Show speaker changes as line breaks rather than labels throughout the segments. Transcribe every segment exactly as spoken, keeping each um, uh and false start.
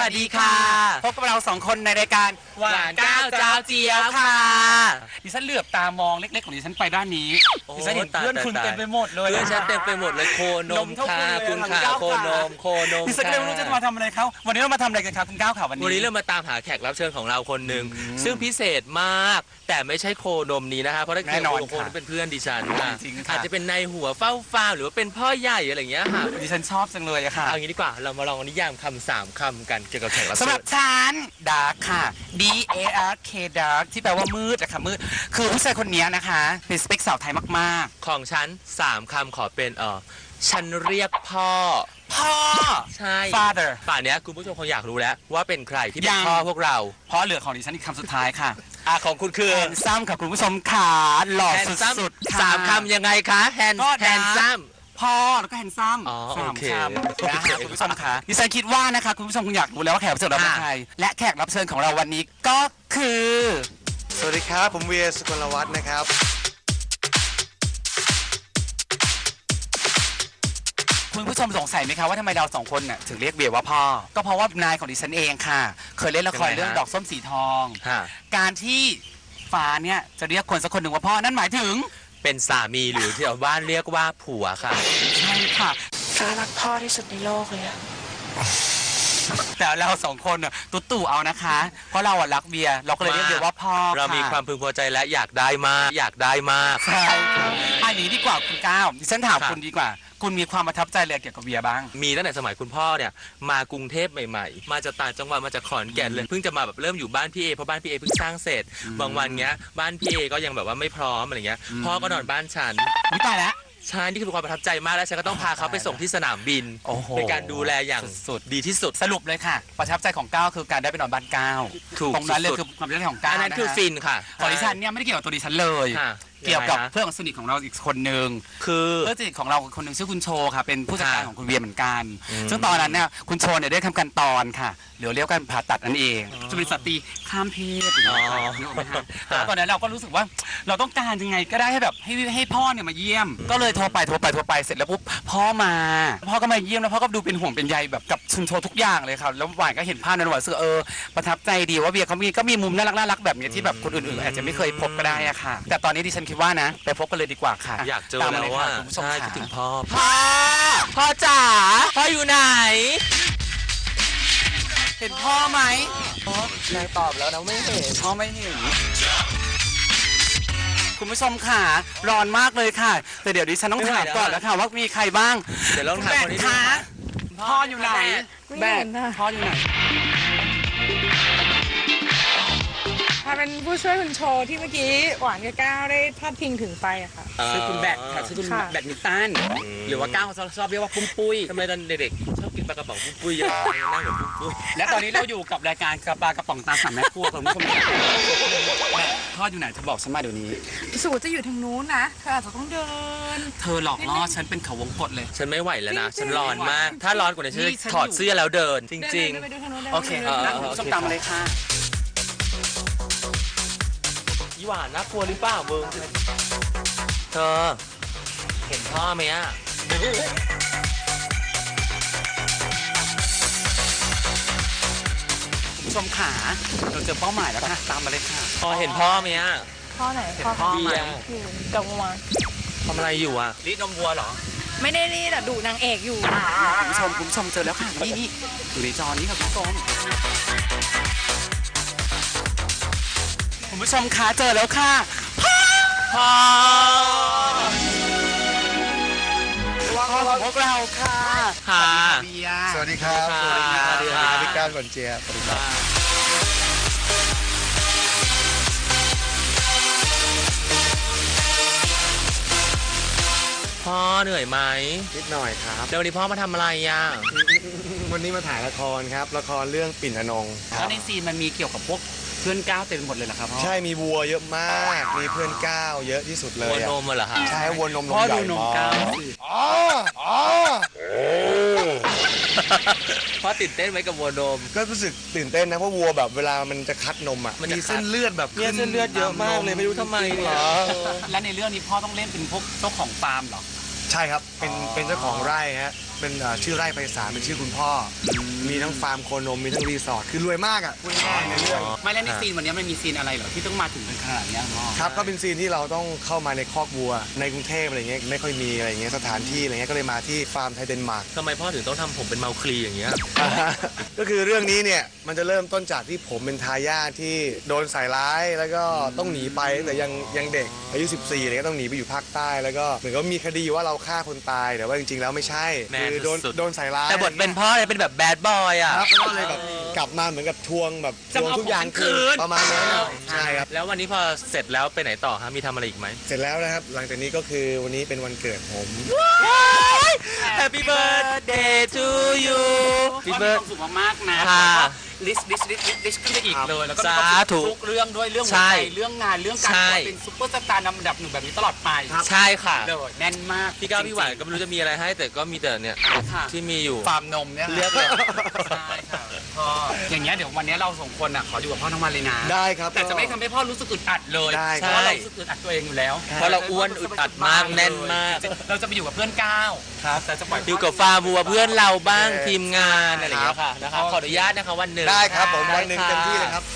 วัสดีค่ะพบกับเราสองคนในรายการหวานก้าวเจ้าเจียวค่ะดิฉันเหลือบตามองเล็กๆของดิฉันไปด้านนี้ดิฉันเห็นเพื่อนคุณเต็มไปหมดเลย
เพื่อนฉันเต็มไปหมดเลยโคนมค่ะคุณค่ะโคนมโคนม
ดิฉันก็ไม่รู้จะมาทำอะไรเขาวันนี้เรามาทำอะไรกันครับคุณก้าวค่ะวันนี้
วันนี้เรามาตามหาแขกรับเชิญของเราคนหนึ่งซึ่งพิเศษมากแต่ไม่ใช่โคนมนี้นะคะเพราะถ้าเกิดโคนเป็นเพื่อนดิฉันค่ะอาจจะเป็นนายหัวเฝ้าฟาร์มหรือว่าเป็นพ่อใหญ่อะไรอย่างเงี้ยค่ะ
ดิฉันชอบจังเลยอะค่ะ
เอางี้ดีกว่าเรามาลองนิยามคำสามคำกันเกี่ยวกับแขกรับเชิญ
สำหรับฉันดาร์กค่ะ D A R K dark ที่แปลว่ามืดอะค่ะมืดคือผู้ชายคนนี้นะคะเป็นสเปคสาวไทยมาก
ๆของฉันสามคำขอเป็นเออฉันเรียกพ่อ
พ่อ
ใช่
father
ป่านนี้คุณผู้ชมคงอยากรู้แล้วว่าเป็นใครที่เป็นพ่อพวกเรา
เพราะเหลือของดิฉันอีกคำสุดท้ายค่ะ
อ่ะของคุณคือ
แฮนซัมค่ะคุณผู้ชมขาหล่อสุด
ๆสามคำยังไงคะแฮนแฮนซัม
พ่อแล้วก็แฮนซัมสามคำนะคะคุณผู้ชมค่ะดิฉันคิดว่านะคะคุณผู้ชมคงอยากรู้แล้วว่าแขกรับเชิญเราเป็นใครและแขกรับเชิญของเราวันนี้ก็คือ
สวัสดีครับผมเวียสุกลวัฒน์นะครับ
คุณผู้ชมสงสัยไหมคะว่าทำไมเราสองคนน่ะถึงเรียกเบียร์ว่าพ่อก็เพราะว่านายของดิฉันเองค่ะเคยเล่นละครเรื่องดอกส้มสีทองการที่ฟ้าเนี่ยจะเรียกคนสักคนหนึ่งว่าพ่อนั่นหมายถึง
เป็นสามีหรือที่ชาวบ้านเรียกว่าผัวค่ะ
ใช่ค่ะ
ฟ้ารักพ่อที่สุดในโลกเลยอะ
แต่เราสองคนน่ะตุ๊ตู่เอานะคะเพราะเราอะรักเบียร์เราก็เลยเรียกเบียร์ว่าพ่อ
เรามีความพึงพอใจและอยากได้มากอยากได้มาก
ใช่อันนี้ดีกว่าคุณก้าวดิฉันถามคุณดีกว่าคุณมีความประทับใจอะไรเกี่ยวกับเบียร์บ้าง
มีตั้งแต่สมัยคุณพ่อเนี่ยมากรุงเทพใหม่ๆมาจากต่างจังหวัดมาจากขอนแก่นเลยเพิ่งจะมาแบบเริ่มอยู่บ้านพี่เอเพราะบ้านพี่เอเพิ่งสร้างเสร็จบางวันเงี้ยบ้านพี่เอก็ยังแบบว่าไม่พร้อมอะไรเงี้ยพ่อก็นอนบ้านฉัน
อุ้ยตายแล้ว
ใช่นี่คือความประทับใจมากแล้วฉันก็ต้องพาเขาไปส่งที่สนามบินเป็นการดูแลอย่างสุดดีที่สุด
สรุปเลยค่ะประทับใจของก้าวคือการได้ไปนอนบ้านก้าวตรงนั้นเลยคือความประทับใจของก้าว
อันนั้นคือฟินค่ะ
ของดิฉันเนี่ยไม่ได้เกี่ยวกับตัวดิฉันเลยเกี่ยวกับเพื่อนสนิทของเราอีกคนหนึ่ง
คือ
เพื่อนสนิทของเราคนหนึ่งชื่อคุณโชค่ะเป็นผู้จัดการของคุณเวียเหมือนกันซึ่งตอนนั้นเนี่ยคุณโชเนี่ยได้ทำการตอนค่ะหรือเรียกกันผ่าตัดนั่นเองจะเป็นสตรีข้ามเพศแล้วตอนนั้นเราก็รู้สึกว่าเราต้องการยังไงก็ได้ให้แบบให้ให้พ่อเนี่ยมาเยี่ยมก็เลยโทรไปโทรไปโทรไปเสร็จแล้วปุ๊บพ่อมาพ่อก็มาเยี่ยมแล้วพ่อก็ดูเป็นห่วงเป็นใยแบบกับคุณโชทุกอย่างเลยค่ะแล้วหวานก็เห็นภาพนั้นหวานรู้สึกเออประทับใจดีว่าเบียร์เขามีก็มีมุมน่ารักน่ารักแบบนี้ที่แบบคนอื่นๆอาจจะไม่เคยพบก็ได้อะค่ะแต่ตอนนี้ดิฉันคิดว่านะไปพบกันเลยดีกว่าค่ะ
อยากเจอแล้วว่าใช่คิดถึงพ่อ
พ่อพ่อจ๋าพ่ออยู่ไหนเห็นพ่อไหม
นายตอบแล้วนะไม่เห็น
พ่อไม่เห็นคุณผู้ชมค่ะร้อนมากเลยค่ะแต่เดี๋ยวดิฉันต้องถามก่อนแล้วค่ะว่ามีใครบ้าง
เดี๋ยวลองถามคนนี้ดู
พ่ออยู่ไหน
แม่
พ่ออยู่ไหน
ถ้าเป็นผู้ช่วยคุณโชว์ที่เมื่อกี้หวานกับก้าวได้พาดพิงถึงไปอะค่ะ
ชื่อคุณแบทค่ะชื่อคุณแบทมินตันหรือว่าก้าวเขาชอบเรียกว่าปุ้มปุ้ย
ทำไมตอนเด็กๆชอบกินปลากระป๋องปุ้มปุ้ยเยอะนั่งเหมือนปุ้มปุ้ย
และตอนนี้เราอยู่กับรายการกระปากระป๋องตาสามแม่ครัวคุณผู้ชมพ่ออยู่ไหนเธอบอกฉันมาเดี๋ยวนี้
สูจะอยู่ทางนู้นนะเธออาจจะต้องเดิน
เธอหลอกล่อฉันเป็นเขาวงกตเลย
ฉันไม่ไหวแล้วนะฉันร้อนมากถ้าร้อนกว่านี้ฉันถอดเสื้อแล้วเดินจริง
ๆโอเคคุณผู้ชมตามมาเลยค่ะ
หวานน่ากลัวหรือเปล่ามึงเธอเห็นพ่อไหมอ่ะ
คุณผู้ชมขาเราเจอเป้าหมายแล้วค่ะตามมาเลยค่ะ
พอเห็นพ่อไหมอ่ะ
พ่อไหน
เห็นพ่อไหม
อยู่กับวัว
ทำอะไรอยู่อ่ะ
รีดนมวัวเหรอ
ไม่ได้รีดแต่ดูนางเอกอยู่
คุณผู้ชมคุณผู้ชมเจอแล้วค่ะนี่นี่อยู่ในจอนี้ค่ะคุณผู้ชมคุณผู้ชมคะเจอแล้วค่ะพ่อพ่อพ่อของพวกเราค่ะ
ค่ะ
สวัสดีครับสวัสดีครับสวัสดีครับพี่ก้าวก่อนเจียสวัสดีครับ
พ่อเหนื่อยไหม
นิดหน่อยครับ
แล้ววันนี้พ่อมาทำอะไรอ่ะ
วันนี้มาถ่ายละครครับละครเรื่องปิ่นอนง
แล้วในซีนมันมีเกี่ยวกับพวกเพื่อนก้าวเต็มหมดเลยเหรอครับพ่อ
ใช่มีวัวเยอะมากมีเพื่อนก้าวเยอะที่สุดเลย
วัวนมเหรอฮะ
ใช่วัวนม
พ่อดูนมก้าว
อ๋ออ๋อ
พ่อตื่นเต้นไหมกับวัวนม
ก็รู้สึกตื่นเต้นนะเพราะวัวแบบเวลามันจะคัดนมอ่ะมันมีเส้นเลือดแบบ
เนี่ยเส้นเลือดเยอะมากเลยไม่รู้ทำไม
เหรอ
และในเรื่องนี้พ่อต้องเล่นเป็นพวกเจ้าของฟาร์มเหรอ
ใช่ครับเป็นเป็นเจ้าของไร่ฮะเเป็นเอ่อชื่อไร่ไพศาลเป็นชื่อคุณพ่ออมีทั้งฟาร์มโคนมมีทั้งรีสอร์ทคือรวยมากอ่ะพูดง่ายๆในเรื่อง
ไม่แล้วในซีนวันนี้มันมีซีนอะไรเหรอที่ต้องมาถึงเป็นขนาดเนี้ยพ่อ
ครับก็เป็นซีนที่เราต้องเข้ามาในคอกวัวในกรุงเทพอะไรเงี้ยไม่ค่อยมีอะไรเงี้ยสถานที่อะไรเงี้ยก็เลยมาที่ฟาร์มไทยเดนมาร์ก
ทำไมพ่อถึงต้องทำผมเป็นเมาคลีอย่างเงี้ย
ก็คือเรื่องนี้เนี่ยมันจะเริ่มต้นจากที่ผมเป็นทายาทที่โดนใส่ร้ายแล้วก็ต้องหนีไปตั้งแต่ยังยังเด็กอายุสิบสี่เนี่ยก็ต้องหนีไปอยู่ภาคใต้แล้วก็เหมือนกับมีคดีว่าเราฆ่าคนตายแต่ว่าจริงๆแล้วไม่ใช่
แมน
คือโดน
สุดๆ
โดนใส่ร้าย
แต่บทเป็นพ่อเนี่ยเป็นแบบแบดบอยอ่ะ
ครับแล้วก็เลยแบบกลับมาเหมือนกับทวงแบบทวงทุกอย่างคืนประมาณนั้นใช่ครับ
แล้ววันนี้พอเสร็จแล้วไปไหนต่อฮะมีทำอะไรอีกไหม
เสร็จแล้วนะครับหลังจากนี้ก็คือวันนี้เป็นวันเกิดผม
Happy birthday to you
พี่
Happy
เบิร์ด
birthday
สุขมากๆนะ
ค่ะ
ลิสลิสลิสลิสขึ้นไปอีกเลยแล้วก็
สาธุ
ทุกเรื่องด้วยเรื่องหัว
ใช่
ใจเรื่องงานเรื่องการ
ใช่
เป็นซุปเปอร์สตาร์นำดับหนึ่งแบบนี้ตลอดไป
ใช่ค่ะ
เลยแน่นมาก
พี่ก้าวพี่หวานก็ไม่รู้จะมีอะไรให้ แต่ก็มีแต่เนี่ย
ค่ะ
ที่มีอยู่
ฟาร์มนมเนี่ย
เรียกเลย
ใช่ค่ะพ่ออย่างเงี้ยเดี๋ยววันนี้เราสองคนอ่ะขออยู่กับพ่อทั้งวันเลยนะ
ได้ครับ
แต่จะไม่ทำให้พ่อรู้สึกอึดอัดเลย
ได้
เพราะว่าเรารู้สึกอึดอัดตัวเองอยู่แล้ว
เพราะเราอ้วนอึดอัดมากแน่นมาก
เราจะไปอยู่กับเพื่อนก้าวครับแต่จะปล่อย
อยู่กับฟาร์มวัวเพื่อนเราบ้าง
โอเค
ทีมงานอะไรอย่างเงี้ยค่ะนะคะขออนุญาตนะคะวันหนึ่ง
ได้ครับผม
ได้
วันหนึ่ง
ค่ะ
เต็มที่เลยครับ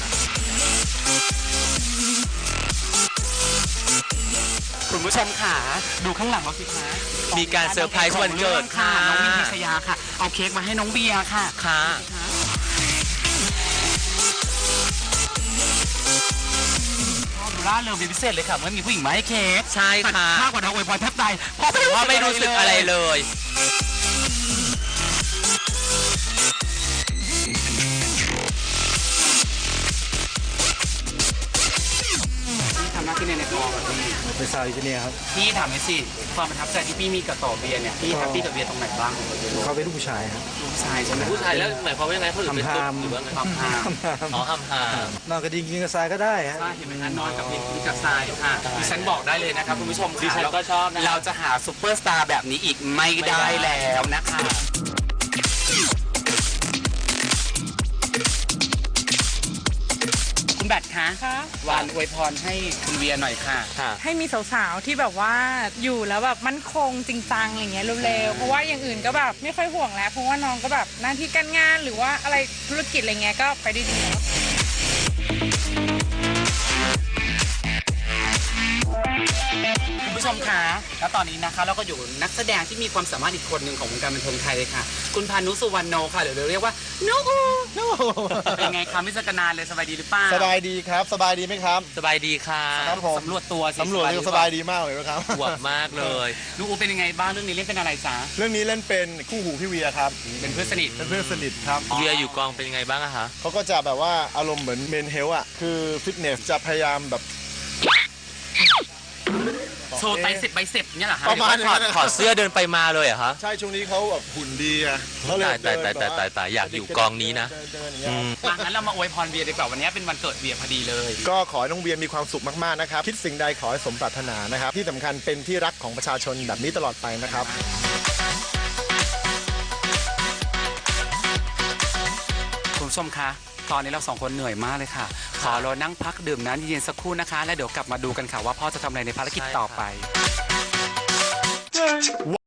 คุณผู้ชมค่ะดูข้างหลังเราสิคะ
มีการเซอร์ไพรส์วันเกิดค่ะ
น้องมินพิชยาค่ะเอาเค้กมาให้น้องเบียร์ค่ะ
ค่ะ
ดูล่าเริงเป็นพิเศษเลยค่ะเมื่อมีผู้หญิงมาให้เค้ก
ใช่ค่ะ
มากกว่าน้องอวยพรแทบตายพ่อ
แต่ว่าไม่รู้สึกอะไรเลย
ที่ทำหน้าที่ในในกองอะพี่
เป็นสาวอินเนียครับ
พี่ถามหน่อยสิความประทับใจที่พี่มีกับต่อเบียร์เนี่ยพี่แฮปปี้กับเบียร์ตรงไหนบ้าง
เขาเป็นลูกผู้ชายครับ
ลูกชายใช่ไหม
ผู้ชายแล้วหมายความว่ายังไงเขาถึงเป็นตุ๊ด
ทำฮาม
หรือว่าไง
ความห้าม
อ๋อห้ามหาม
นอนกระดิ่งกินกระซายก็ได้ฮะ
ใช่เห็นไหมคะนอนกับเบียร์กินกับทรายค่ะดิฉันบอกได้เลยนะครับคุณผู้ชม
ดิ
ค่ะ
ฉันก็ชอบนะ
เราจะหาซูเปอร์สตาร์แบบนี้อีกไม่ได้แล้วนะคะคุณแบทคะ
คะ
วานอวยพรให้คุณเวียหน่อยค่ะ
ค่ะ
ให้มีสาวๆที่แบบว่าอยู่แล้วแบบมั่นคงจริงจังอะไรเงี้ยเร็วๆเพราะว่าอย่างอื่นก็แบบไม่ค่อยห่วงแล้ว เพราะว่าน้องก็แบบหน้าที่การงานหรือว่าอะไรธุรกิจอะไรเงี้ยก็ไปได้ดีแล้ว
คุณผู้ชมคะแล้วตอนนี้นะคะเราก็อยู่นักแสดงที่มีความสามารถอีกคนหนึ่งของวงการบันเทิงไทยเลยค่ะ คุณพานุสุวรรณโนค่ะหรือเราเรียกว่าโนอูโนเป็นไงคะไม่เจอกันนานเลยสบายดีหรือเปล่า
สบายดีครับ สบายดีไหมครับ
สบายดีค่ะ
ครับผม
สำรวจตัวสิ
สำรวจสบายดีมากเลยนะครับ
อวบมากเลย
โนอูเป็นยังไงบ้างเรื่องนี้เล่นเป็นอะไรจ๊ะ
เรื่องนี้เล่นเป็นคู่หูพี่เวียครับ
เป็นเพื่อนสนิท
เป็นเพื่อนสนิทครับ
เวียอยู่กองเป็นยังไงบ้างอะคะ
เขาก็จะแบบว่าอารมณ์เหมือนเมนเฮลอ่ะ คือฟิตเนสจะพยายามแบบ
โชว์ไตสิบใบสิบเนี่ยเหรอคะ
ประมาณ
ถอดถอดเสื้อเดินไปมาเลยเหรอะคะ
ใช่ช่วงนี้เขาแบบหุ่นดีอะเขาเลย
ตายตาย
เดิน
ตายตายตายตายอยากอยู่กองนี้นะ
เดิเดินอย่างเงี้ย
อืม
อ่ะงั้นเรามาอวยพรเวียดีกว่าวันนี้เป็นวันเกิดเวียพอดีเลย
ก็ขอให้น้องเวียมีความสุขมากๆนะครับ คิดสิ่งใดขอให้สมปรารถนานะครับ ที่สำคัญเป็นที่รักของประชาชนแบบนี้ตลอดไปนะครับ
คุณผู้ชมคะตอนนี้เราสองคนเหนื่อยมากเลยค่ะ ขอเรานั่งพักดื่มน้ำเย็นๆสักครู่นะคะ แล้วเดี๋ยวกลับมาดูกันค่ะว่าพ่อจะทำอะไรในภารกิจต่อไป